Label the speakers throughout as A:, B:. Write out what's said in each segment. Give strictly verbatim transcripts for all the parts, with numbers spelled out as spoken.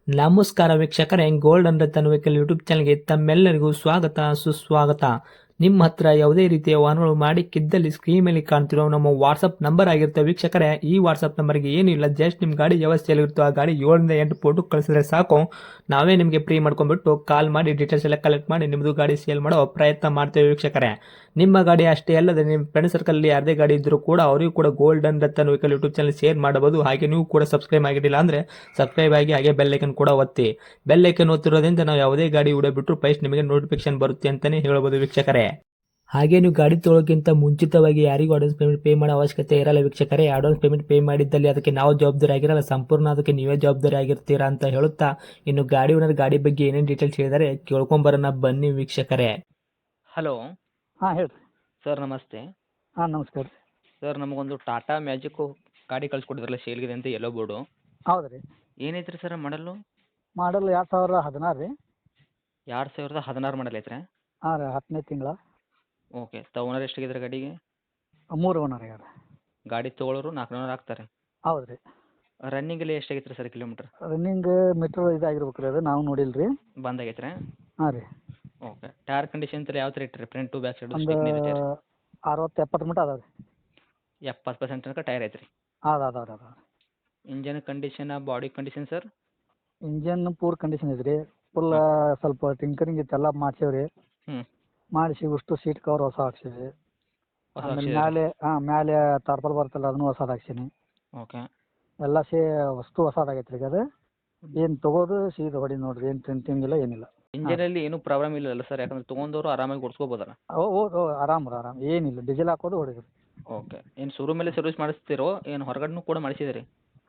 A: ನಮಸ್ಕಾರ ವೀಕ್ಷಕರೇ, gold and Ratan vehicle YouTube ಚಾನಲ್ಗೆ ತಮ್ಮೆಲ್ಲರಿಗೂ ಸ್ವಾಗತ ಸುಸ್ವಾಗತ. ನಿಮ್ಮ ಹತ್ರ ಯಾವುದೇ ರೀತಿಯ ವಾಹನಗಳು ಮಾಡಿಕ್ಕಿದ್ದಲ್ಲಿ ಸ್ಕ್ರೀನ್ ಮೇಲೆ ಕಾಣ್ತಿರೋ ನಮ್ಮ ವಾಟ್ಸಪ್ ನಂಬರ್ ಆಗಿರುತ್ತೆ ವೀಕ್ಷಕರೇ. ಈ ವಾಟ್ಸಪ್ ನಂಬರ್ಗೆ ಏನಿಲ್ಲ, ಜಸ್ಟ್ ನಿಮ್ಮ ಗಾಡಿ ವ್ಯವಸ್ಥೆಯಲ್ಲಿರುತ್ತೋ ಆ ಗಾಡಿ ಏಳರಿಂದ ಎಂಟು ಫೋಟೋ ಕಳಿಸಿದ್ರೆ ಸಾಕು, ನಾವೇ ನಿಮಗೆ ಫ್ರೀ ಮಾಡ್ಕೊಂಡ್ಬಿಟ್ಟು ಕಾಲ್ ಮಾಡಿ ಡೀಟೇಲ್ಸ್ ಎಲ್ಲ ಕಲೆಕ್ಟ್ ಮಾಡಿ ನಿಮ್ಮದು ಗಾಡಿ ಸೇಲ್ ಮಾಡೋ ಪ್ರಯತ್ನ ಮಾಡ್ತೇವೆ ವೀಕ್ಷಕರೇ. ನಿಮ್ಮ ಗಾಡಿ ಅಷ್ಟೇ ಅಲ್ಲದೆ ನಿಮ್ಮ ಫ್ರೆಂಡ್ ಸರ್ಕಲಲ್ಲಿ ಯಾರದೇ ಗಾಡಿ ಇದ್ದರೂ ಕೂಡ ಅವರಿಗೂ ಕೂಡ gold and Ratan vehicle YouTube channel share ಮಾಡಬಹುದು. ಹಾಗೆ ನೀವು ಕೂಡ ಸಬ್ಸ್ಕ್ರೈಬ್ ಆಗಿರಲಿಲ್ಲ ಅಂದರೆ ಸಬ್ಸ್ಕ್ರೈಬ್ ಆಗಿ ಹಾಗೆ ಬೆಲ್ ಐಕನ್ ಕೂಡ ಒತ್ತಿ. ಬೆಲ್ ಐಕನ್ ಒತ್ತಿರೋದ್ರಿಂದ ನಾವು ಯಾವುದೇ ಗಾಡಿ ವಿಡಿಯೋ ಬಿಟ್ಟರು ಫಸ್ಟ್ ನಿಮಗೆ ನೋಟಿಫಿಕೇಶನ್ ಬರುತ್ತೆ ಅಂತಲೇ ಹೇಳ್ಬೋದು ವೀಕ್ಷಕರೇ. ಹಾಗೆ ನೀವು ಗಾಡಿ ತೊಳೋಕ್ಕಿಂತ ಮುಂಚಿತವಾಗಿ ಯಾರಿಗೂ ಅಡ್ವಾನ್ಸ್ ಪೇಮೆಂಟ್ ಪೇ ಮಾಡೋ ಅವಶ್ಯಕತೆ ಇರಲ್ಲ ವೀಕ್ಷಕರೇ. ಅಡ್ವಾನ್ಸ್ ಪೇಮೆಂಟ್ ಪೇ ಮಾಡಿದ್ದಲ್ಲಿ ಅದಕ್ಕೆ ನಾವು ಜವಾಬ್ದಾರಿ ಆಗಿರಲ್ಲ, ಸಂಪೂರ್ಣ ಅದಕ್ಕೆ ನೀವೇ ಜವಾಬ್ದಾರಿ ಆಗಿರ್ತೀರಾ ಅಂತ ಹೇಳುತ್ತಾ, ಇನ್ನು ಗಾಡಿ ಓನರ್ ಗಾಡಿ ಬಗ್ಗೆ ಏನೇನು ಡೀಟೇಲ್ಸ್ ಹೇಳಿದರೆ ಕೇಳ್ಕೊಂಬರೋಣ ಬನ್ನಿ ವೀಕ್ಷಕರೇ.
B: ಹಲೋ
C: ಹಾಂ ಹೇಳ್ರಿ.
B: ಸರ್, ನಮಸ್ತೆ.
C: ಹಾಂ ನಮಸ್ಕಾರ ರೀ.
B: ಸರ್, ನಮಗೊಂದು ಟಾಟಾ ಮ್ಯಾಜಿಕ್ಕು ಗಾಡಿ ಕಳ್ಸಿಕೊಟ್ಟಿದ್ರಲ್ಲ ಸೇಲ್ಗಿದೆ ಅಂತ, ಎಲ್ಲೋ ಬೋರ್ಡು.
C: ಹೌದು ರೀ.
B: ಏನೈತ್ರಿ ಸರ್ ಮಾಡಲ್ಲು?
C: ಮಾಡಲ್ ಎರಡು ಸಾವಿರ ಹದಿನಾರು ರೀ.
B: ಎರಡು ಸಾವಿರದ ಹದಿನಾರು ಮಾಡಲ್ ಐತ್ರಿ?
C: ಹಾಂ ರೀ, ಹತ್ತನೇ ತಿಂಗಳ.
B: ಓಕೆ. ತ ಓನರ್ ಎಷ್ಟಾಗಿದ್ರೆ ಗಾಡಿಗೆ?
C: ಮೂರು ಓನರ್ ಆಗ್ಯಾರ.
B: ಗಾಡಿ ತೊಗೊಳೋರು ನಾಲ್ಕು ನೂರು ಆಗ್ತಾರೆ.
C: ಹೌದು ರೀ.
B: ರನ್ನಿಂಗಲ್ಲಿ ಎಷ್ಟಾಗೈತೆ ರೀ ಸರ್ ಕಿಲೋಮೀಟ್ರ್?
C: ರನ್ನಿಂಗ್ ಮೀಟ್ರ್ ಇದಾಗಿರ್ಬೇಕು ರೀ, ಅದು ನಾವು ನೋಡಿಲ್ಲ ರೀ.
B: ಬಂದಾಗೈತ್ರಿ?
C: ಹಾಂ ರೀ.
B: ಓಕೆ. ಟೈರ್ ಕಂಡೀಷನ್ ಎಲ್ಲ ಯಾವ ಥರ ಇಟ್ಟಿರಿ? ಫ್ರಂಟ್ ಟು ಬ್ಯಾಕ್ ಸೈಡು
C: ಒಂದು
B: ಸ್ಟಿಕ್ನಿ ಟೈರ್?
C: ಅರವತ್ತು ಎಪ್ಪತ್ತು ಮಟ್ಟ ಅದಾವೆ ರೀ.
B: ಎಪ್ಪತ್ತು ಪರ್ಸೆಂಟ್ ತನಕ ಟೈರ್ ಐತ್ರಿ?
C: ಅದು ಅದಾವೆ ರೀ ಅದಾವೆ.
B: Engine condition, body condition sir?
C: Engine poor condition ಇದೆ ರೀ. ಫುಲ್ ಸ್ವಲ್ಪ ಟಿಂಕರಿಂಗ್ ಇತ್ತೆಲ್ಲ ಮಾಡ್ಸೇವೆ ರೀ.
B: ಹ್ಞೂ.
C: ಮಾಡಿಸಿ ಉಷ್ಟು ಸೀಟ್ ಕವರ್ ಹೊಸ ಹಾಕ್ಸೀವಿ.
B: ಹೊಸ
C: ಆಮೇಲೆ
B: ಹಾಕ್ಸಿದ್ದೀರಾ?
C: ಮ್ಯಾಲೆ ಹಾಂ ಮ್ಯಾಲೆ ತಾರ್ಪಲ್ ಬರ್ತಲ್ಲ ಅದನ್ನು ಹೊಸದು ಹಾಕ್ಸೀನಿ.
B: ಓಕೆ.
C: ಎಲ್ಲ ಸೇ ವಸ್ತು ಹೊಸದಾಗೈತೆ ರೀ. ಅದು ಏನು ತೊಗೋದು ಸೀದಾ ಹೊಡಿ ನೋಡಿರಿ, ಏನು ಪ್ರಿಂಟಿಂಗ್ ಇಲ್ಲ ಏನಿಲ್ಲ.
B: ಇಂಜನಲ್ಲಿ ಏನೂ ಪ್ರಾಬ್ಲಮ್ ಇಲ್ಲಲ್ಲ ಸರ್? ಯಾಕಂದ್ರೆ ತೊಗೊಂಡವರು ಆರಾಮಾಗಿ ಓಡಿಸ್ಕೋಬೋದಲ್ಲ?
C: ಓ ಓ ಓ ಆರಾಮ್ ರೀ ಆರಾಮ್, ಏನಿಲ್ಲ. ಡೀಸೆಲ್ ಹಾಕೋದು ಹೊಡಿದ್ರಿ.
B: ಓಕೆ. ಏನು ಶೋರೂಮಲ್ಲೇ ಸರ್ವಿಸ್ ಮಾಡಿಸ್ತೀರೋ ಏನು ಹೊರಗಡೆನೂ ಕೂಡ ಮಾಡಿಸಿದಿರಿ?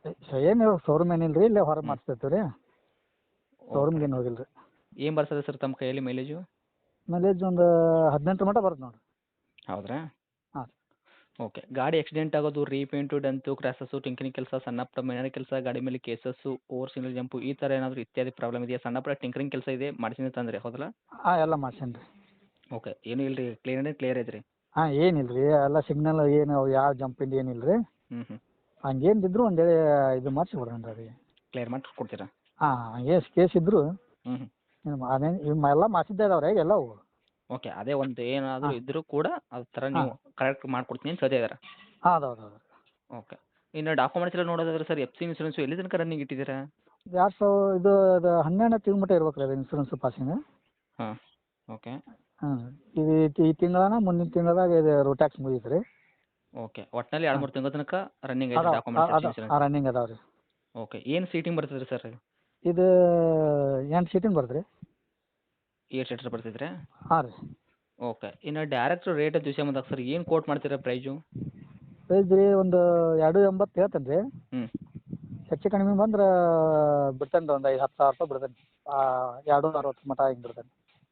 C: ಏನು ಶೋರೂಮ್ ಏನಿಲ್ಲ ರೀ, ಇಲ್ಲೇ ಹೊರಗೆ ಮಾಡಿಸ್ತಿರ್ತೀವಿ ರೀ. ಶೋರೂಮ್ಗೆ ಏನು ಹೋಗಿಲ್ಲ ರೀ.
B: ಏನು ಬರ್ತದೆ ಸರ್ ತಮ್ಮ ಕೈಯಲ್ಲಿ ಮೈಲೇಜು?
C: ಮೈಲೇಜ್ ಒಂದು ಹದಿನೆಂಟು ಮಟ್ಟ ಬರುತ್ತೆ ನೋಡಿರಿ.
B: ಹೌದ್ರಾ?
C: ಹಾಂ.
B: ಓಕೆ. ಗಾಡಿ ಆಕ್ಸಿಡೆಂಟ್ ಆಗೋದು, ರೀಪೇಂಟು, ಡೆಂತು, ಕ್ರ್ಯಾಸಸ್ಸು, ಟಿಂಕರಿಂಗ್ ಕೆಲಸ, ಸಣ್ಣ ಪುಟ್ಟ ಮೈನರ್ ಕೆಲಸ, ಗಾಡಿ ಮೇಲೆ ಕೇಸಸ್ಸು, ಓವರ್ ಸಿಂಗಲ್ ಜಂಪು, ಈ ಥರ ಏನಾದರೂ ಇತ್ಯಾದಿ ಪ್ರಾಬ್ಲಮ್ ಇದೆಯಾ? ಸಣ್ಣ ಪುಟ್ಟ ಟಿಂಕರಿಂಗ್ ಕೆಲಸ ಇದೆ ಮಾಡಿಸಿದ ತಂದರೆ ಹೌದಲ್ಲ?
C: ಹಾಂ ಎಲ್ಲ ಮಾಡ್ಸೇನಿ ರೀ.
B: ಓಕೆ. ಏನೂ ಇಲ್ಲ ರೀ, ಕ್ಲಿಯರ್ ಕ್ಲಿಯರ್ ಐತ್ರಿ?
C: ಹಾಂ ಏನಿಲ್ಲ ರೀ, ಎಲ್ಲ ಸಿಗ್ನಲ್ ಏನು ಯಾವ ಜಂಪಿಂದ ಏನಿಲ್ಲ ರೀ.
B: ಹ್ಞೂ ಹ್ಞೂ.
C: ಹಂಗೇನು ಇದ್ರು ಒಂದು ಇದು ಮಾಡಿಸಿ ಬಿಡೋಣ ರೀ.
B: ಕ್ಲಿಯರ್ ಮಾಡಿ ಕೊಡ್ತೀರಾ?
C: ಹಾಂ ಹಂಗೆ ಕೇಸ್ ಇದ್ರು
B: ಹ್ಞೂ ಹ್ಞೂ.
C: ಅದೇನು ಎಲ್ಲ ಮಾಡಿಸಿದ್ದೇ ಇದಾವೆ ರೀ ಎಲ್ಲವು.
B: ಓಕೆ. ಅದೇ ಒಂದು ಏನಾದರೂ
C: ಹಾಂ.
B: ಇದ್ದರೂ ಕೂಡ ಅದ್ರ ಥರ ನೀವು ಕರೆಕ್ಟ್ ಮಾಡಿಕೊಡ್ತೀನಿ ಅಂತ ಹೇಳ್ತಾ ಇದ್ದಾರೆ?
C: ಹಾಂ ಹೌದು ಹೌದು ಹೌದು.
B: ಓಕೆ. ಇನ್ನು ಡಾಕ್ಯುಮೆಂಟ್ಸ್ ಎಲ್ಲ ನೋಡೋದಾದ್ರೆ ಸರ್, ಎಫ್ ಸಿ ಇನ್ಸೂರೆನ್ಸು ಎಲ್ಲಿ ತನಕ ರನ್ನಿಂಗ್ ಇಟ್ಟಿದ್ದೀರಾ?
C: ಎರಡು ಸಾವಿರ ಇದು ಅದು ಹನ್ನೆರಡನೇ ತಿಂಗ್ಳು ಮಟ್ಟ ಇರ್ಬೇಕು ರೀ ಅದು ಇನ್ಸೂರೆನ್ಸ್ ಪಾಸಿಂಗ್.
B: ಹಾಂ. ಓಕೆ.
C: ಹಾಂ. ಇದು ಈ ತಿಂಗಳನ ಮುಂದಿನ ತಿಂಗಳದಾಗ ಇದು ರೋಡ್ ಟ್ಯಾಕ್ಸ್ ಮುಗೀತು ರೀ.
B: ಓಕೆ. ಒಟ್ಟಿನಲ್ಲಿ ಎರಡು ಮೂರು ತಿಂಗಳ ತನಕ ರನ್ನಿಂಗ್ ಐತೆ
C: ಅದಾವೆ
B: ಡಾಕ್ಯುಮೆಂಟ್ಸ್, ಎಫ್ ಸಿ
C: ಅದ
B: ಇನ್ಸೂರೆನ್ಸ್?
C: ರನ್ನಿಂಗ್ ಅದಾವೆ ರೀ.
B: ಓಕೆ. ಏನು ಸೀಟಿಂಗ್ ಬರ್ತದೆ ರೀ ಸರ್?
C: ಇದು ಎಂಟು ಸೀಟಿಂಗ್ ಬರುತ್ತೆ ರೀ.
B: ಏಟ್ ಸೀಟರ್ ಬರ್ತಿದ್ರೆ?
C: ಹಾಂ ರೀ.
B: ಓಕೆ. ಇನ್ನು ಡೈರೆಕ್ಟ್ ರೇಟ್ ಅಂತ ವಿಷಯ ಬಂದಾಗ ಸರ್, ಏನು ಕೋಟ್ ಮಾಡ್ತೀರಾ ಪ್ರೈಜು?
C: ಪ್ರೈಸ್ ರೀ ಒಂದು ಎರಡು ಎಂಬತ್ತು ಹೇಳ್ತೇನೆ ರೀ.
B: ಹ್ಞೂ.
C: ಹೆಚ್ಚು ಕಡಿಮೆ ಬಂದ್ರೆ ಬಿಡ್ತೇನೆ ರೀ, ಒಂದು ಐದು ಹತ್ತು ಸಾವಿರ ರೂಪಾಯಿ ಬಿಡ್ತೇನೆ. ಎರಡು ಅರವತ್ತು ಮಟ್ಟ ಹಿಂಗೆ ಬಿಡ್ತೇನೆ.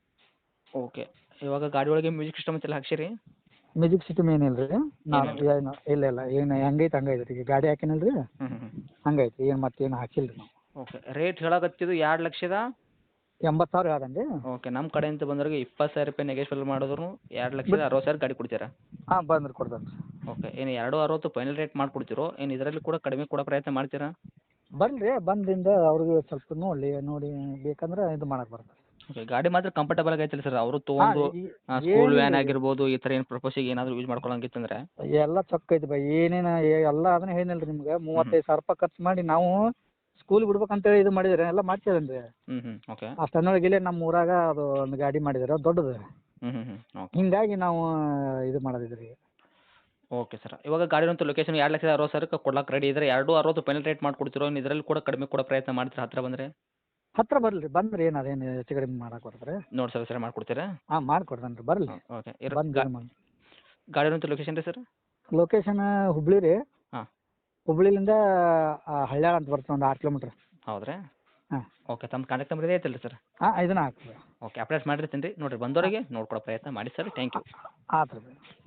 B: ಓಕೆ. ಇವಾಗ ಗಾಡಿ ಒಳಗೆ ಮ್ಯೂಸಿಕ್ ಸಿಸ್ಟಮ್ ಎಲ್ಲ ಹಾಕ್ಸಿರಿ?
C: ಮ್ಯೂಸಿಕ್ ಸಿಸ್ಟಮ್ ಏನಿಲ್ಲ ರೀ. ನಾನು ಏನು ಇಲ್ಲ ಇಲ್ಲ ಏನು ಹೆಂಗೈತೆ ಹಂಗೈತೆ ರೀ. ಈಗ ಗಾಡಿ ಹಾಕಿನಲ್ಲ ರೀ,
B: ಹ್ಞೂ ಹ್ಞೂ ಹ್ಞೂ.
C: ಹಂಗೈತೆ. ಏನು ಮತ್ತೇನು ಹಾಕಿಲ್ಲ ರೀ ನಾವು.
B: ಓಕೆ. ರೇಟ್ ಹೇಳಕತ್ತಿದ್ದು ಎರಡು ಲಕ್ಷದ
C: ಎಂಬತ್ತು ಸಾವಿರ ಹೇಳ್ದೇನೆ ರೀ.
B: ಓಕೆ. ನಮ್ಮ ಕಡೆಯಿಂದ ಬಂದವ್ರಿಗೆ ಇಪ್ಪತ್ತು ಸಾವಿರ ರೂಪಾಯಿ ನೆಗೆಶ್ವಲ್ ಮಾಡಿದ್ರು ಎರಡು ಲಕ್ಷದ ಅರವತ್ತು ಸಾವಿರ ಗಾಡಿ ಕೊಡ್ತೀರಾ?
C: ಹಾಂ ಬಂದ್ರೆ ಕೊಡ್ತೇನೆ ರೀ.
B: ಓಕೆ. ಏನು ಎರಡು ಅರವತ್ತು ಫೈನಲ್ ರೇಟ್ ಮಾಡಿಕೊಡ್ತೀರೋ ಏನು ಇದರಲ್ಲಿ ಕೂಡ ಕಡಿಮೆ ಕೊಡೋ ಪ್ರಯತ್ನ ಮಾಡ್ತೀರಾ?
C: ಬನ್ರಿ, ಬಂದಿಂದ ಅವ್ರಿಗೆ ಸ್ವಲ್ಪ ನೋಡಿ ನೋಡಿ ಬೇಕಂದ್ರೆ ಇದು ಮಾಡಕ್ಕೆ ಬರ್ತದೆ.
B: ಓಕೆ. ಗಾಡಿ ಮಾತ್ರ ಕಂಫರ್ಟಬಲ್ ಆಗೈತಿಲ್ಲ ಸರ್? ಅವರು ತೊಗೊಂಡು ಸ್ಕೂಲ್ ವ್ಯಾನ್ ಆಗಿರ್ಬೋದು, ಈ ಥರ ಏನು ಪ್ರಪೋಸಿಗೆ ಏನಾದರೂ ಯೂಸ್ ಮಾಡ್ಕೊಳಂಗಿತ್ತಂದ್ರೆ?
C: ಎಲ್ಲ ಚೊಕ್ಕ ಐತಿ ಬೈ. ಏನೇನು ಎಲ್ಲ ಅದನ್ನ ಹೇಳಿನಲ್ಲ ರೀ ನಿಮ್ಗೆ. ಮೂವತ್ತೈದು ಸಾವಿರ ರೂಪಾಯಿ ಖರ್ಚು ಮಾಡಿ ನಾವು ಸ್ಕೂಲ್ ಬಿಡ್ಬೇಕಂತೇಳಿ ಇದು ಮಾಡಿದ್ರೆ ಎಲ್ಲ ಮಾಡ್ಸಿದೇನೆ ರೀ.
B: ಹ್ಞೂ ಹ್ಞೂ. ಓಕೆ.
C: ಅಷ್ಟನ್ನೊಳಗೆ ಇಲ್ಲೇ ನಮ್ಮ ಊರಾಗ ಅದು ಒಂದು ಗಾಡಿ ಮಾಡಿದ್ದಾರೆ ದೊಡ್ಡದು.
B: ಹ್ಞೂ ಹ್ಞೂ ಹ್ಞೂ. ಓಕೆ.
C: ಹಿಂಗಾಗಿ ನಾವು ಇದು ಮಾಡೋದಿದ್ರಿ.
B: Okay sir. ಇವಾಗ ಗಾಡಿನಂತೂ ಲೊಕೇಶನ್ ಎರಡು ಲಕ್ಷದ ಅರವತ್ತು ಸಾವಿರಕ್ಕೆ ಕೊಡ್ಲಾಕೆ ರೆಡಿ ಇದ್ದರೆ ಎರಡು ಅರವತ್ತು ಫೈನಲ್ ರೇಟ್ ಮಾಡ್ಕೊಡ್ತಿರೋ? ಇನ್ನು ಇದರಲ್ಲಿ ಕೂಡ ಕಡಿಮೆ ಕೊಡೋ ಪ್ರಯತ್ನ ಮಾಡ್ತೀರಾ ಹತ್ತಿರ ಬಂದರೆ?
C: ಹತ್ತಿರ ಬರಲಿ ಬಂದ್ರೆ ಏನು ಅದೇನು ಹೆಚ್ಚು ಕಡಿಮೆ ಮಾಡಕ್ಕೆ ಬರ್ತಾರೆ.
B: ನೋಡಿ ಸರ್, ಸರಿ ಮಾಡ್ಕೊಡ್ತೀರಾ?
C: ಹಾಂ ಮಾಡಿಕೊಡ್ತೇನೆ ರೀ, ಬರಲಿ.
B: ಓಕೆ.
C: ಬಂದು
B: ಗಾಡಿನಂತೂ ಲೊಕೇಶನ್ ರೀ ಸರ್?
C: ಲೊಕೇಶನ್ ಹುಬ್ಳಿ ರೀ.
B: ಹಾಂ.
C: ಹುಬ್ಳಿಲಿಂದ ಹಳ್ಯಾಳ ಅಂತ ಬರ್ತದೆ, ಒಂದು ಆರು ಕಿಲೋಮೀಟ್ರ್.
B: ಹೌದ್ರಾ?
C: ಹಾಂ.
B: ಓಕೆ. ತಮ್ಮ ಕಾಂಟ್ಯಾಕ್ಟ್ ನಂಬರ್ ಇದೆ ಐತಲ್ಲ ಸರ್?
C: ಹಾಂ ಇದನ್ನ ಹಾಕ್ತೀವಿ.
B: ಓಕೆ. ಅಪ್ಡೇಟ್ ಮಾಡಿರ್ತೀನಿ ರೀ. ನೋಡಿರಿ ಬಂದವರಿಗೆ ನೋಡ್ಕೊಡೋ ಪ್ರಯತ್ನ ಮಾಡಿ ಸರ್. Thank you.
C: ಆಯ್ತು ರೀ.